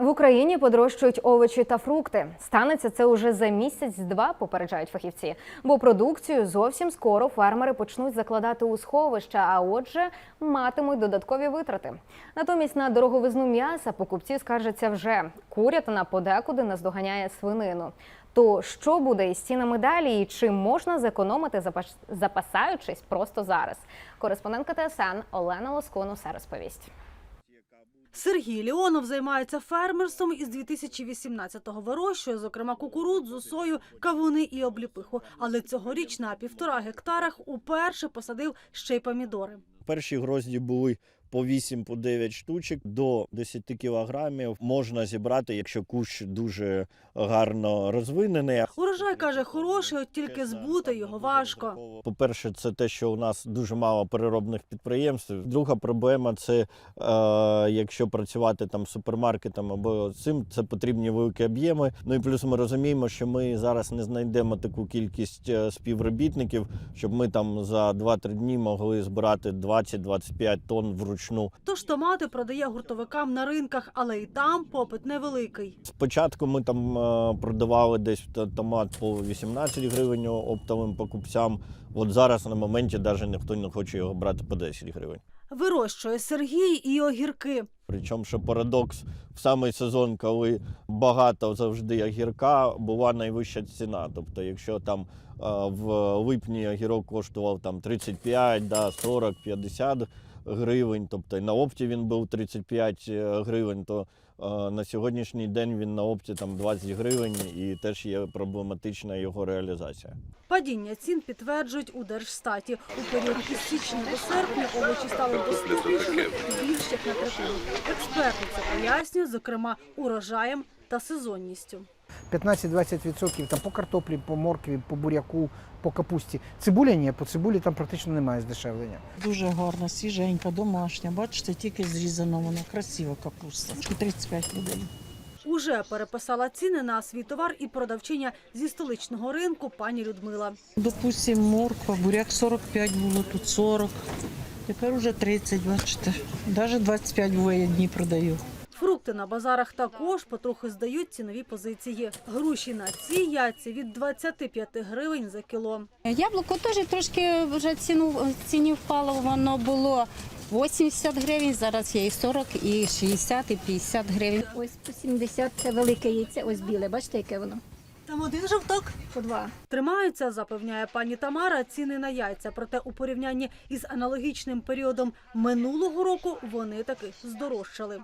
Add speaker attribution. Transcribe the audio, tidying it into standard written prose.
Speaker 1: В Україні подорожчають овочі та фрукти. Станеться це уже за місяць-два, попереджають фахівці. Бо продукцію зовсім скоро фермери почнуть закладати у сховища, а отже, матимуть додаткові витрати. Натомість на дороговизну м'яса покупці скаржаться вже. Курятина подекуди наздоганяє свинину. То що буде із цінами далі і чи можна зекономити, запасаючись просто зараз? Кореспондентка ТСН Олена Лоскун усе розповість.
Speaker 2: Сергій Леонов займається фермерством із 2018-го. Вирощує, зокрема, кукурудзу, сою, кавуни і обліпиху. Але цьогоріч на 1,5 гектарах уперше посадив ще й помідори.
Speaker 3: Перші грозді були по 8-9 штучок, до 10 кілограмів можна зібрати, якщо кущ дуже гарно розвинений.
Speaker 2: Урожай, каже, хороший, от тільки збути його важко.
Speaker 3: По-перше, це те, що у нас дуже мало переробних підприємств. Друга проблема – це якщо працювати там супермаркетом або цим, це потрібні великі об'єми. Ну і плюс ми розуміємо, що ми зараз не знайдемо таку кількість співробітників, щоб ми там за 2-3 дні могли збирати 20-25 тонн вручну.
Speaker 2: Тож томати продає гуртовикам на ринках, але і там попит невеликий.
Speaker 3: Спочатку ми там продавали десь томат по 18 гривень оптовим покупцям. От зараз на моменті навіть ніхто не хоче його брати по 10 гривень.
Speaker 2: Вирощує Сергій і огірки.
Speaker 3: Причому, що парадокс, в самий сезон, коли багато завжди огірка, була найвища ціна. Тобто, якщо там в липні огірок коштував там 35, 40, 50 гривень, тобто на опті він був 35 гривень, то на сьогоднішній день він на опті там 20 гривень і теж є проблематична його реалізація.
Speaker 2: Падіння цін підтверджують у Держстаті. У період із січня до серпня овочі стали доступнішими більш як на третину. Експерти це пояснюють, зокрема, урожаєм та сезонністю.
Speaker 4: 15-20% там по картоплі, по моркві, по буряку, по капусті. Цибуля ні, по цибулі там практично немає здешевлення.
Speaker 5: Дуже гарна, свіженька, домашня. Бачите, тільки зрізана вона, красива капуста. 35 людей.
Speaker 2: Уже переписала ціни на свій товар і продавчиня зі столичного ринку пані Людмила.
Speaker 5: Допустим, морква, буряк 45 було, тут 40. Тепер уже 30, бачите. Навіть 25 буває дні продаю.
Speaker 2: Фрукти на базарах також потрохи здають цінові позиції. Груші на ці яйця від 25 гривень за кіло.
Speaker 6: Яблуко теж трошки вже ціні впало, воно було 80 гривень, зараз є і 40, і 60, і 50 гривень.
Speaker 7: Ось по 70 – це велике яйце, ось біле, бачите, яке воно?
Speaker 2: Там один жовток.
Speaker 7: По 2.
Speaker 2: Тримаються, запевняє пані Тамара, ціни на яйця. Проте у порівнянні із аналогічним періодом минулого року вони таки здорожчали.